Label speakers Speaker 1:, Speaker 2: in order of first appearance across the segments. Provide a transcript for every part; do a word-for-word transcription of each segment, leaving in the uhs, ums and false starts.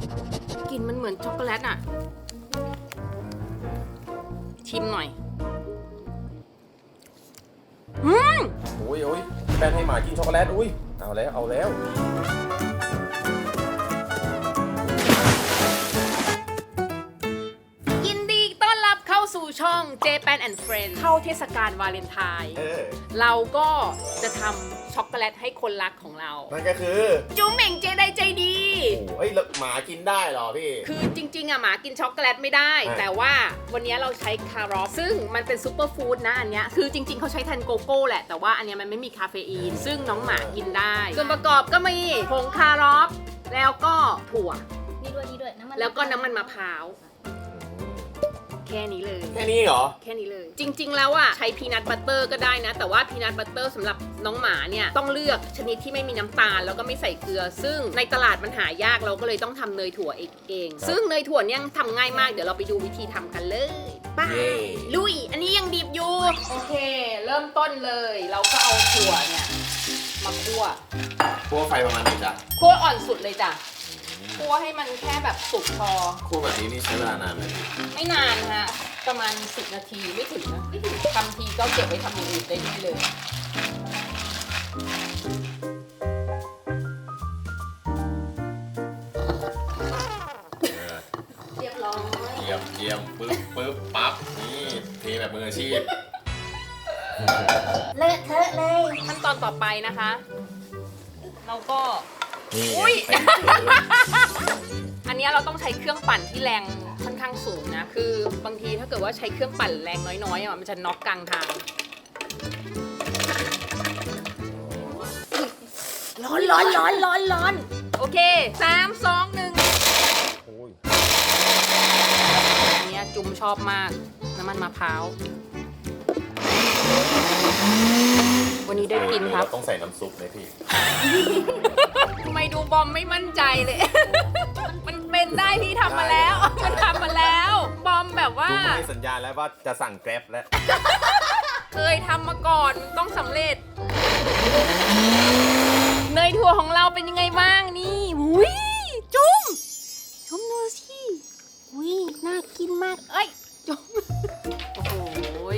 Speaker 1: กลิ่นมันเหมือนช็อกโกแลตอ่ะชิมหน่อยอืม
Speaker 2: โอ้ยโอ้ยแป้นให้หมากินช็อกโกแลตอุ้ยเอาแล้วเอาแล้ว
Speaker 1: ยินดีต้อนรับเข้าสู่ช่อง Japan and Friends เข้าเทศกาลวาเลนไทน์
Speaker 2: เออ
Speaker 1: เราก็จะทำช็อกโกแลตให้คนรักของเรา
Speaker 2: นั่นก็คือ
Speaker 1: จุ๊มเหม่งเจไดใจดี
Speaker 2: โอ้ยแล้วหมากินได้เหรอพี่
Speaker 1: คือจริงๆอะหมากินช็อกโกแลตไม่ได้
Speaker 2: อ่า
Speaker 1: แต่ว่าวันนี้เราใช้คารอฟซึ่งมันเป็นซูเปอร์ฟู้ดนะอันเนี้ยคือจริงๆเขาใช้แทนโกโก้แหละแต่ว่าอันเนี้ยมันไม่มีคาเฟอีน ซึ่งน้องหมากินได้ส่วนประกอบก็มีผงคารอฟแล้วก็ถั่ว
Speaker 3: นี่ด้วยนี่ด้วยน้ำมัน
Speaker 1: แล้วก็น้ำมันมะพร้าวแค่นี้เลย
Speaker 2: แค่นี้เหรอ
Speaker 1: แค่นี้เลย จริงๆแล้วอ่ะใช้พีนัทบัตเตอร์ก็ได้นะ แต่ว่าพีนัทบัตเตอร์สำหรับน้องหมาเนี่ยต้องเลือกชนิดที่ไม่มีน้ำตาลแล้วก็ไม่ใส่เกลือ ซึ่งในตลาดมันหายากเราก็เลยต้องทำเนยถั่วเอง ซึ่งเนยถั่วเนี่ยทำง่ายมากเดี๋ยวเราไปดูวิธีทำกันเลยไป้า
Speaker 2: เย้
Speaker 1: ลุยอันนี้ยังดิบอยู่โอเค เริ่มต้นเลย เราก็เอาถั่วเนี่ยมาคั่ว
Speaker 2: คั่วไฟประมาณไหนจ๊ะ
Speaker 1: คั่วอ่อนสุดเลยจ้ะคั่วให้มันแค่แบบสุกพอ
Speaker 2: คั่วแบบนี้นี่ใช้เวลานานไหมพี่
Speaker 1: ไม่นานฮะประมาณสิบนาทีไม่ถึงนะไม่ถึงทำทีก็เก็บไว้ทำอย่างอื่นได้ด้วยเลย เรียบร้อย
Speaker 2: เยี่ยมเยี่ยมปึ๊บปึ๊บปั๊บนี่เทแบบมืออาชีพ
Speaker 3: เลอะเทอะเลย
Speaker 1: ขั้นตอนต่อไปนะคะ เราก็
Speaker 2: นี่
Speaker 1: อุ๊ย
Speaker 2: เต็มพื้น
Speaker 1: อันเนี้ยเราต้องใช้เครื่องปั่นที่แรงค่อนข้างสูงนะ คือบางทีถ้าเกิดว่าใช้เครื่องปั่นแรงน้อยๆอ่ะมันจะน็อกกลางทาง ร้อนร้อนร้อนร้อนร้อนโอเคสามสองหนึ่ง
Speaker 2: โอ้ย
Speaker 1: อันเนี้ยจุ่มชอบมากน้ำมันมะพร้าววันนี้ได้กินครับ
Speaker 2: ต้องใส่น้ำซุปไหมพี่
Speaker 1: ทำไมดูบอมไม่มั่นใจเลย มันเป็นได้พี่ทำมาแล้ว มันทำมาแล้ว บอมแบบว่า
Speaker 2: ดูให้สัญญาณแล้วว่าจะสั่งแกร็บแล้ว
Speaker 1: เคยทำมาก่อนมันต้องสำเร็จ เนยถั่วของเราเป็นยังไงบ้างนี่หุยจุ้มชมดูสิหุยน่ากินมากเอ้ยจุ้มโอ้โหย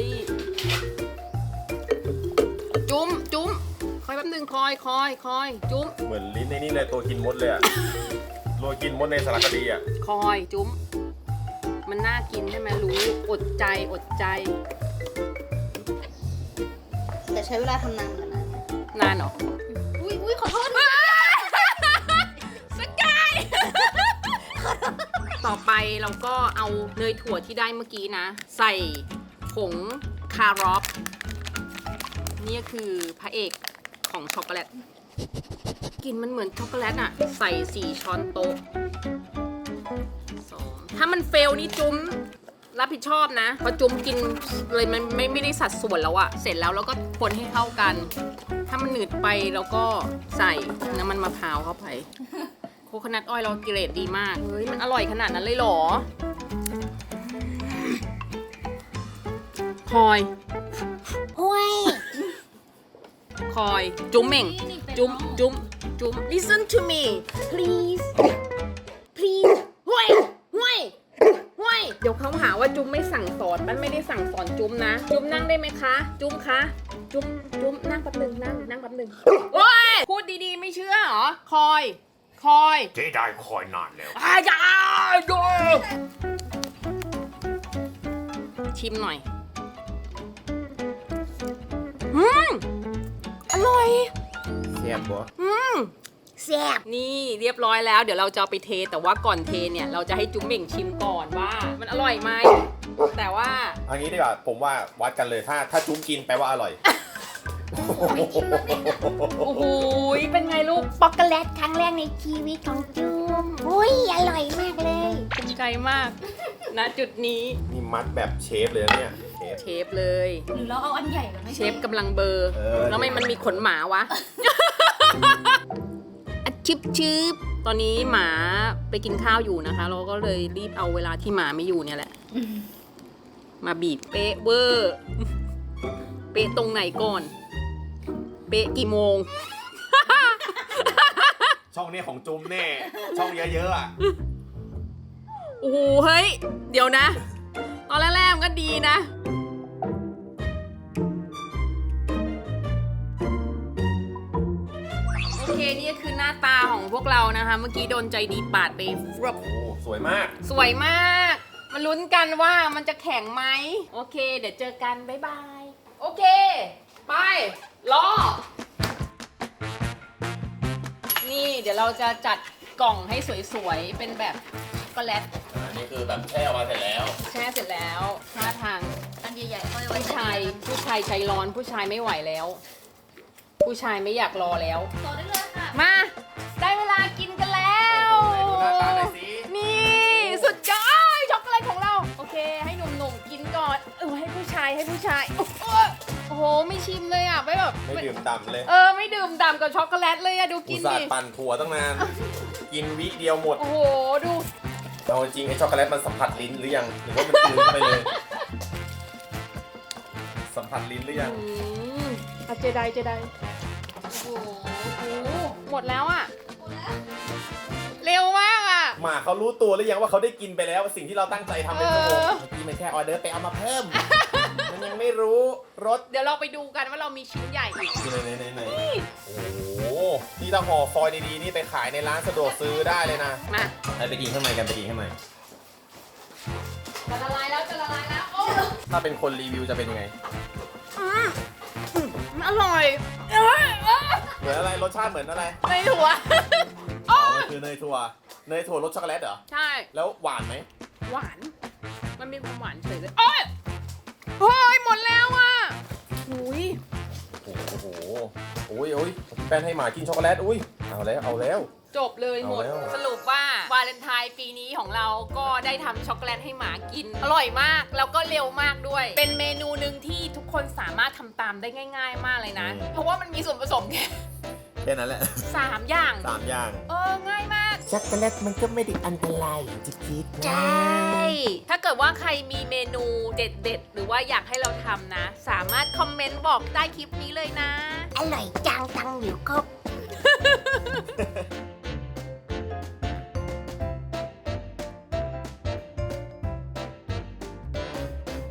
Speaker 1: จุ้มจุ้มคอยแป๊บนึงคอยคอยคอยจุ้ม
Speaker 2: เหมือนลิ้นในนี่เลยตัวกินมดเลยอะตัวกินมดในสารคดีอะ
Speaker 1: คอยจุ้มมันน่ากินใช่ไหมรู้อดใจอดใจ
Speaker 3: แต่ใช้เวลาทำนานเหมือนกันนะ
Speaker 1: นานเหรอ
Speaker 3: อุ้ยอุ้ยขอโทษ
Speaker 1: สกาย ต่อไปเราก็เอาเนยถั่วที่ได้เมื่อกี้นะ ใส่ผงคารอฟนี่คือพระเอกของช็อกโกแลตกลิ่นมันเหมือนช็อกโกแลตอะใส่สี่ช้อนโต๊ะสองถ้ามันเฟลนี่จุ้มรับผิดชอบนะเพราะจุ้มกินเลยมันไม่ไม่ได้สัดส่วนแล้วอะเสร็จแล้วเราก็คนให้เข้ากัน ถ้ามันหนืดไปเราก็ใส่น้ำมันมะพร้าวเข้าไป โคโคนัทออยล์เราเกรดดีมาก เฮ้ย มันอร่อยขนาดนั้นเลยเหรอคอย
Speaker 3: ห้วย
Speaker 1: คอย จุ๊มเหม่ง จุ๊มจุ๊มจุ๊ม listen to me please please ห่วยห่วยห่วยเดี๋ยวเขาหาว่าจุ๊มไม่สั่งสอนมันไม่ได้สั่งสอนจุ๊มนะ จุ๊มนั่งได้ไหมคะ จุ๊มคะ จุ๊มจุ๊มนั่งแป๊บหนึงนั่งนั่งแป๊บหนึงโอ้ยพูดดีๆไม่เชื่อเหรอ คอย คอย
Speaker 2: เจ๊ได้คอยนานแล้ว
Speaker 1: อาจาดูชิมหน่อย อืม อร่อย
Speaker 2: แซ่บปะ
Speaker 1: อืม
Speaker 3: แซ่บ
Speaker 1: นี่เรียบร้อยแล้ว เดี๋ยวเราจะเอาไปเท แต่ว่าก่อนเทเนี่ย เราจะให้จุ๊มเหม่งชิมก่อนว่า มันอร่อยไหม แต่ว่า
Speaker 2: เอันนี้ดีกว่าผมว่าวัดกันเลยถ้าถ้าจุ้มกินแปลว่าอร่อย
Speaker 1: โอ้โหเป็นไงลูก
Speaker 3: ช็อกโกแลตครั้งแรกในชีวิตของจูมอุ้ยอร่อยมากเลย
Speaker 1: ภูมิใจมาก ณ จุดนี้
Speaker 2: นี่มัดแบบเชฟเลยนะเนี่ยเชฟ
Speaker 1: เชฟเลย
Speaker 3: หรือเราเอาอันใหญ่กว่าไม่
Speaker 1: เชฟกำลังเบอร์
Speaker 2: เออ
Speaker 1: แล้วทำไม่มันมีขนหมาวะ อะชิบชิบตอนนี้หมาไปกินข้าวอยู่นะคะ เราก็เลยรีบเอาเวลาที่หมาไม่อยู่เนี่ยแหละ มาบีบเป๊ะเวอร์ เป๊ะตรงไหนก่อน เป๊ะกี่โมง
Speaker 2: ช่องนี้ของจุ้มแน่ ช่องเยอะๆอ่ะ
Speaker 1: โอ้โหเฮ้ย เดี๋ยวนะ ตอนแรกๆมันก็ดีนะ โอเค นี่ก็คือหน้าตาของพวกเรานะคะ เมื่อกี้โดนใจดีปาดไปฟรบ
Speaker 2: โอ้สวยมาก
Speaker 1: สวยมาก มาลุ้นกันว่ามันจะแข็งไหม โอเค เดี๋ยวเจอกัน บ๊ายบาย โอเค ไป รอ นี่เดี๋ยวเราจะจัดกล่องให้สวยๆ เป็นแบบช็อกโกแลต
Speaker 2: อันนี้คือแบบแช่ออกมาเสร็จแล้ว
Speaker 1: แช่เสร็จแล้วท่าทาง
Speaker 3: อันใหญ่ๆเขาจะไว้
Speaker 1: ผู้ชาย ผู้ชายใจร้อน ผู้ชายไม่ไหวแล้ว ผู้ชายไม่อยากรอแล้ว
Speaker 3: ต่อได้เลยค่ะ
Speaker 1: มา ได้เวลากินกันแล้ว
Speaker 2: โอ้โหไหนดูหน้าตาหน่อยสิ
Speaker 1: นี่สุดยอดช็อกโกแลตของเรา โอเค ให้หนุ่มๆกินก่อนเออให้ผู้ชายให้ผู้ชายโอ้โหโอ้โหไม่ชิมเลยอ่ะไม่แบบ
Speaker 2: ไม่ดื่มด่ำเลย
Speaker 1: เออไม่ดื่มด่ำกับช็อกโกแลตเลยอะดู
Speaker 2: อุ
Speaker 1: กิ
Speaker 2: ต
Speaker 1: น
Speaker 2: ส่า
Speaker 1: ดิ
Speaker 2: ห์ปั่นถั่วตั้งนาน กินวิเดียวหมด
Speaker 1: โอ้โหดู
Speaker 2: เอาจริงไอ้ช็อกโกแลตมันสัมผัสลิ้นหรือยัง หรือว่ามันกลืนเข้าไปเลย สัมผัสลิ้นหรือยัง
Speaker 1: อืมอะเจไดเจไดโอ้โหโอ้โหหมดแล้วอ่ะเร็วมากอ่ะ
Speaker 2: หมาเขารู้ตัวหรือยังว่าเขาได้กินไปแล้วสิ่งที่เราตั้งใจทำเป็นชั่วโมง
Speaker 1: เออ
Speaker 2: เมื่อกี้มันแค่ออเดอร์ไปเอามาเพิ่ม มันยังไม่รู้รส
Speaker 1: เดี๋ยวเราไปดูกันว่าเรามีชิ้นใหญ่อีก
Speaker 2: ที่ไหนไหนไหนโอ้โหนี่ถ้าห่อฟอยล์ดีๆนี่ไปขายในร้านสะดวกซื้อได้เลยนะ
Speaker 1: มา
Speaker 2: ไปไปกินข้างในกันไปกินข้างใน
Speaker 1: จะละลายแล้วจะละลายแล้วโอ้
Speaker 2: ถ้าเป็นคนรีวิวจะเป็นยังไง
Speaker 1: อืมอืมอร่อยเอ้ยเอ้ย
Speaker 2: เหมือนอะไรรสชาติเหมือนอะไร
Speaker 1: ในถั่ว
Speaker 2: อ๋อมันคือเนยถั่วเนยถั่วรสช็อกโกแลตเหรอ
Speaker 1: ใช่
Speaker 2: แล้วหวานไหม
Speaker 1: หวาน มันมีความหวานเฉยเลยโอ้ยโอ้ยหมดแล้วอ่ะหุย
Speaker 2: โอ้โหโอ้ยโอ้ยแป้นให้หมากินช็อกโกแลตอุ้ยเอาแล้วเอาแล้ว
Speaker 1: จบเลยหมด
Speaker 2: เอาแล้ว
Speaker 1: สรุปว่าวาเลนไทน์ปีนี้ของเราก็ได้ทำช็อกโกแลตให้หมากิน อร่อยมาก แล้วก็เร็วมากด้วย เป็นเมนูหนึ่งที่ทุกคนสามารถทำตามได้ง่าย ๆ มากเลยนะ เพราะว่ามันมีส่วนผสมแค่
Speaker 2: แค่นั้นแหละ
Speaker 1: สามอย่าง
Speaker 2: สามอย่าง
Speaker 1: เออ ง่ายมาก
Speaker 4: ช็อกโกแลตมันก็ไม่ได้อันตรายอย่างที่คิดนะ
Speaker 1: ใช่ ถ้าเกิดว่าใครมีเมนูเด็ดๆ หรือว่าอยากให้เราทำนะ สามารถคอมเมนต์บอกใต้คลิปนี้เลยนะ
Speaker 3: อร่อยจังตังอยู่ครบ